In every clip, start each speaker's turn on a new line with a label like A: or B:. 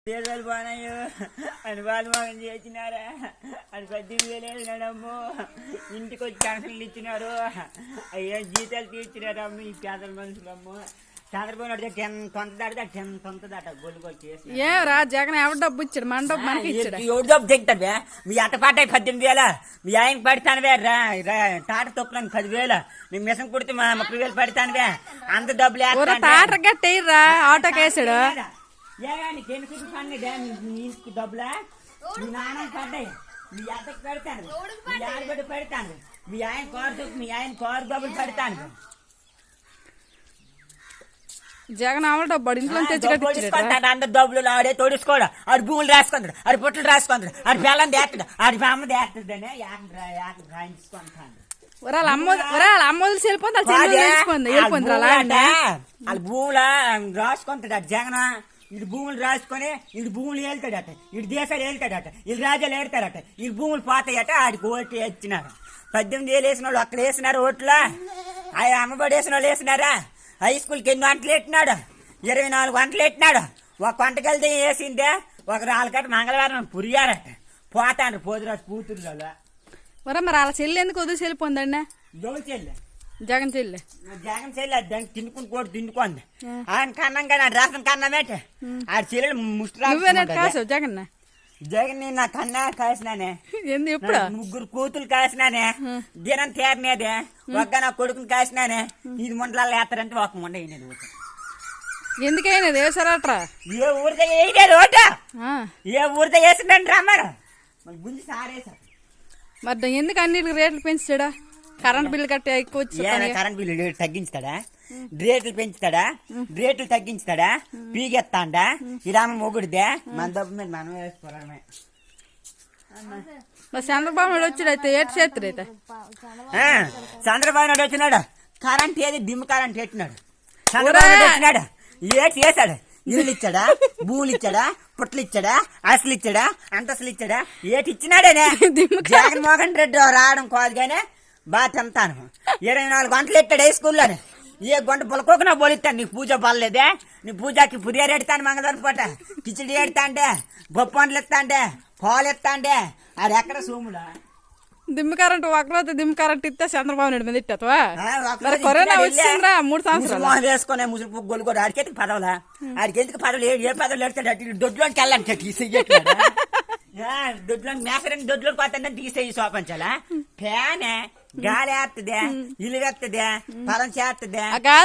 A: పేదలు బానయ్యో అని వాళ్ళు మగం చేసినారా అని 18,000 వేసినాడమ్మో. ఇంటికి వచ్చి క్యాన్సర్లు ఇచ్చినారు, అయ్యో జీతాలు తీర్చినారు అమ్మ ఈ పేదల మనుషులమ్మో. చంద్రబాబు నాయుడు తొంత దాడితే తొంత దాట గొల్లు వచ్చేసి
B: ఏరా జగన్ ఎవరు డబ్బు ఇచ్చాడు? మన డబ్బు మనకి ఇచ్చాడు.
A: ఎవరు డబ్బు తెగుతావే? మీ అట్ట పాట 18,000, మీ ఆయన పడతానువే టాట తొప్పులని 10,000, నీ మిషన్ కుడితే 30,000 పడతానువే. అంత డబ్బులు
B: టాటర్ గట్టేయరా ఆటోకి వేసాడు.
A: డబ్బులా మీ నాన్న పడ్డాయి, మీ అత్తకి పెడతాను, మీ ఆడబిడ్డ పెడతాను, మీ ఆయన కారు డబ్బులు పెడతాను.
B: జగన్ అమలు డబ్బు ఇంట్లో తెచ్చి
A: అందరు డబ్బులు ఆడే తోడుకోడు, ఆడు భూములు రాసుకుంటాడు, ఆడు పుట్టలు రాసుకుంటాడు, ఆడి పిల్లని దేస్తాడు, ఆడి అమ్మ దేస్తాడనే రాయించుకుంటాడు.
B: వాళ్ళ అమ్మ వదిలి వెళ్ళిపోయింది
A: వాళ్ళ భూముల రాసుకుంటాడు అటు జగన్. ఇటు భూములు రాసుకొని ఇటు భూములు వెళ్తాడట, ఇటు దేశాలు వెళ్తాడట, ఇటు రాజ్యాలు ఏడతాడట, ఇటు భూములు పోతాయట. ఆడికి ఓట్లు వేసినారు. 18,000 వేసిన వాళ్ళు అక్కడ వేసినారు ఓట్లా. ఆయన అమ్మబడి వేసిన వాళ్ళు వేసినారా? హై స్కూల్కి 8 గంటలు పెట్టినాడు, 24 గంటలు పెట్టినాడు. ఒక గంటకి వెళ్తే వేసిందే, ఒక రాళ్ళకట్ట మంగళవారం పురియారట. పోతాండ్రు పోతురాజు కూతురు.
B: మరి వాళ్ళ చెల్లి ఎందుకు వదిలి వెళ్ళిపోయిందండి?
A: జోలు చెల్లి
B: జగన్ చెల్లి
A: దానికి తిండుకుని కూడా తిండుకుంది. ఆయన కన్నం కానీ ఆడు రాసిన కన్నమేట ఆడ చెల్లెలు ముష్టి
B: జగన్
A: జగన్ నా కన్నా కాసినానే.
B: ఎప్పుడు
A: 3 కూతులు కాసినానే, దినం తేరనేదే. ఒక్క నా కొడుకుని కాసినానే. ఇది ముండలాలు వేస్తారంటే ఒక ముండ వేయలేదు.
B: ఎందుకైనా వేసారట్రా?
A: ఏ ఊరితో వేయలేదు ఓట, ఏ ఊరితో వేసిందండి రమ్మారు గుంజి సారేసారు.
B: మరి ఎందుకు అన్నిటికి రేట్లు పెంచాడా? కరెంట్ బిల్లు కట్టే ఎక్కువ వచ్చి
A: కరెంట్ బిల్లు తగ్గించుతాడా? రేట్లు పెంచుతాడా? రేట్లు తగ్గించుతాడా? పీగెత్తాండా? ఇరామ మొగుడిదే. మన డబ్బు మీద మనం వేసుకోవడమే.
B: చంద్రబాబు నాయుడు వచ్చాడు అయితే ఏటి చేస్తారు అయితే?
A: చంద్రబాబు నాయుడు వచ్చినాడు, కరెంట్ ఏది డిమ్ కరెంట్ పెట్టినాడు. చంద్రబాబు నాయుడు వచ్చినాడు, ఏటి చేశాడు? ఇల్లు ఇచ్చాడా? భూములు ఇచ్చాడా? పుట్లు ఇచ్చాడా? అసలు ఇచ్చాడా? అంతస్తులు ఇచ్చాడా? ఏటి ఇచ్చినాడేనే? జగన్మోహన్ రెడ్డి రావడం కాదు కానీ బాగా తింటాను. 24 గంటలు ఎట్టాడు హై స్కూల్లోనే. ఏ గంట పొలకోకున్నా పోలిస్తాను. నీ పూజ పర్లేదే? నీ పూజకి పురియారు ఎడతాను, మంగళవారం పూట కిచిడి ఎడతా అంటే, బొప్పండ్లు ఎత్తా అంటే, పాలు ఎత్తా అంటే, అది ఎక్కడ సోముడా?
B: దిమ్మ కరెంట్ ఒకరోజు దిమ్మ కరెంట్ ఇస్తే చంద్రబాబు నాయుడు మీద ఇట్టా? కరోనా వచ్చిందిరా 3 సంవత్సరాలు
A: వేసుకునే ముసుగు గొల్లు కూడా ఆడికెందుకు పదవులా? ఆడికెందుకు పదవులు? ఏ పదవులు ఎడతాడు? దొడ్లోకి వెళ్ళాలి తీసేయట్లేదు. దొడ్లో మేసరని దొడ్లోకి పోతాడని తీసేయి సోపంచాలా? ఫ్యానే గాలి వేస్తుంది, ఇల్లు వేస్తుంది, పొలం చేస్తుంది.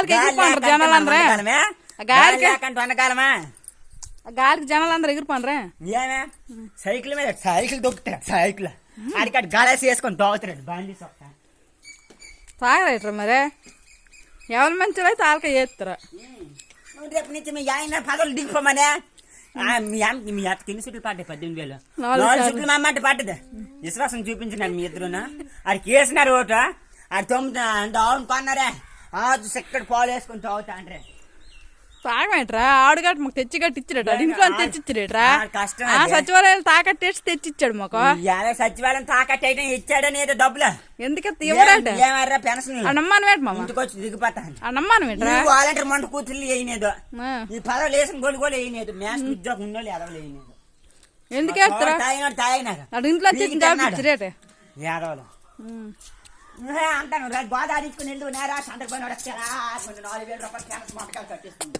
A: వండకాలమా?
B: గాలికి జనాలు అందరూ ఎగిరిపోనరా?
A: ఏమే సైకిల్ మీద సైకిల్ దొక్కుతాడు, సైకిల్ ఆడికాడు గాలేసి వేసుకొని దోగుతాడు. బండి సొక్క
B: తాగరేట్రా మరి ఎవరి మంచిలో అయితే ఆలక చేస్తారా?
A: రేపు నుంచి మీ ఆయన పదవులు దిగిపోమనే. మీ అత్తకి ఎన్ని సీట్లు పడ్డాయి? 18,000. 4 సీట్లు మా అమ్మంటే పడ్డది. విశ్వాసం చూపించినాడు మీ ఇద్దరునా. ఆడికి వేసినారు ఓటు, ఆడు 9 ఆవును కొన్నారే. ఇక్కడ పాలు వేసుకొని తాగుతా అంటే
B: తాగమేట్రా? ఆడుగట్టు మాకు తెచ్చి గట్టి ఇచ్చాడట, ఇంట్లో తెచ్చిచ్చాడేట్రా. సచివాలయం తాకట్టేసి తెచ్చిచ్చాడు మాకు.
A: సచివాలయం తాకట్టు ఇచ్చాడని ఏదో డబ్బులు
B: ఎందుకు ఇవ్వడట?
A: పెన్షన్
B: నమ్మాను వేట మామ,
A: ఇంటికి వచ్చి దిగిపోతాను.
B: నమ్మాను వేట్రా?
A: వాలంటీర్ మంట కూతుర్లు వేయలేదు, ఈ పదవులు వేసిన గోలు కూడా వేయలేదు. మ్యాథ్స్ ఉద్యోగం ఉన్నోళ్ళు ఎదవలు వేయలేదు.
B: ఎందుకు వేస్తారా?
A: తాగినాడు
B: ఇంట్లో ఇచ్చాడేట
A: ఏడవలు అంటాను. గోదావరించుకుని వెళ్ళు నేరా చంద్రబాబు 4,000 రూపాయలు మొట్టకాలు కట్టేస్తుంది.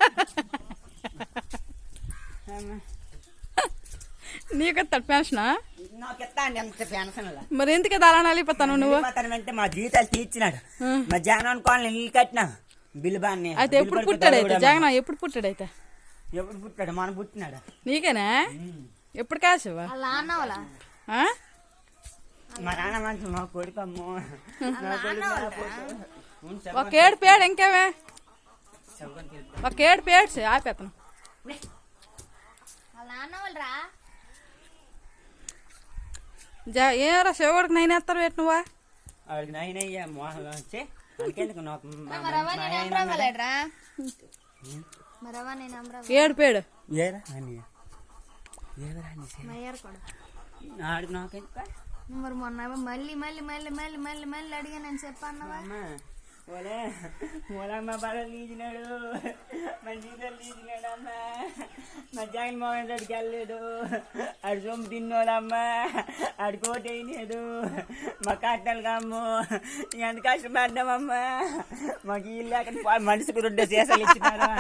B: నీకు పెన్షన్
A: నాకు ఇస్తాండి ఎంత పెన్షన్.
B: మరి ఎందుకు అలా నలిపోతాను నువ్వు?
A: అంటే మా జీతాలు తీర్చినాడు. మా జగన్ అనుకోవాలి ఇల్లు కట్టినా బిల్లు బాగా.
B: అయితే ఎప్పుడు పుట్టాడైతే జగన్? ఎప్పుడు పుట్టాడైతే?
A: ఎప్పుడు పుట్టాడు? మనం పుట్టినాడు.
B: నీకేనా? ఎప్పుడు కాసేవా?
A: మా నాన్న మంచి మా కొడుకు అమ్మో.
B: ఒక 7 పేడు ఇంకేమే, ఒక 7 పేడ్స్ ఆపేతను. ఏమరా శివుడికి 9 వేస్తారు వేట నువ్వా?
A: ఆడికి 9 అయ్యా మోహన్ వచ్చి అందుకెందుకు
B: 7 పేడు
A: ఆడికి నాకెందుకు?
C: మరి మొన్న మళ్ళీ మళ్ళీ మళ్ళీ మళ్ళీ మళ్ళీ మళ్ళీ అడిగా నేను చెప్పాను.
A: మూలమ్మ బడలు తీసినాడు, మా జీతాలు తీసినాడు అమ్మ, మా జగన్మోహన్ రెడ్డికి వెళ్ళలేదు, ఆడు సొమ్ము తిన్నోడమ్మా, ఆడు కోటి అయినాడు, మా కట్టాలు అమ్ము ఎంత కష్టపడ్డామమ్మా, మాకు ఇల్లు అక్కడ మనిషికి 2 సీసాలు ఇచ్చినారా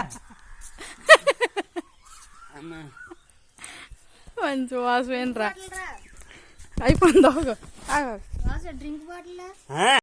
A: అమ్మా.
B: మంచి వాసమేనరా అయిపోయింది.
C: Drink bottle